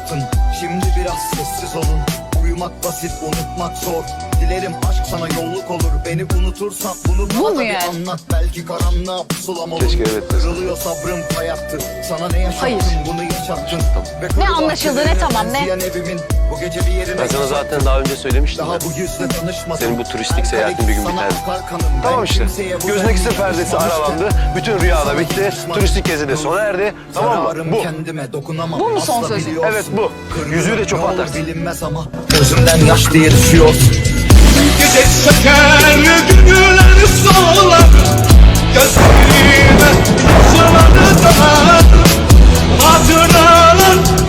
yaşattın. Şimdi biraz sessiz olun. Uyumak basit, unutmak zor. Dilerim aşk sana yolluk olur. Beni unutursan bunu bana da bir anlat. Belki karanlığa pusulam olur. Keşke evet. Kırılıyor sabrım hayattı. Sana ne yaşattın, Hayır. bunu yaşattın. Ne anlaşıldı, ne tamam, ne? Evimin, bu gece bir yerine Ben sana zaten daha önce söylemiştim daha ya. bu yüzle tanışmadım. Senin bu turistik seyahatin bir gün Sana biter. akar kanım. Ben Tamam işte. kimseye bu Gözdeki denli perdesi konuşmamıştım. aralandı. Bütün rüya da bitti. Turistik gezi de sona erdi. Tamam mı? Zararım Bu. kendime dokunamam. Bu mu son Asla sözün? biliyorsun. Evet, bu. Yüzüğü de çöpe Ne olur atarsın. bilinmez ama gözümden yaş diye düşüyor. Gece çeker günler solar gözlerime yaşlanır da hatıralar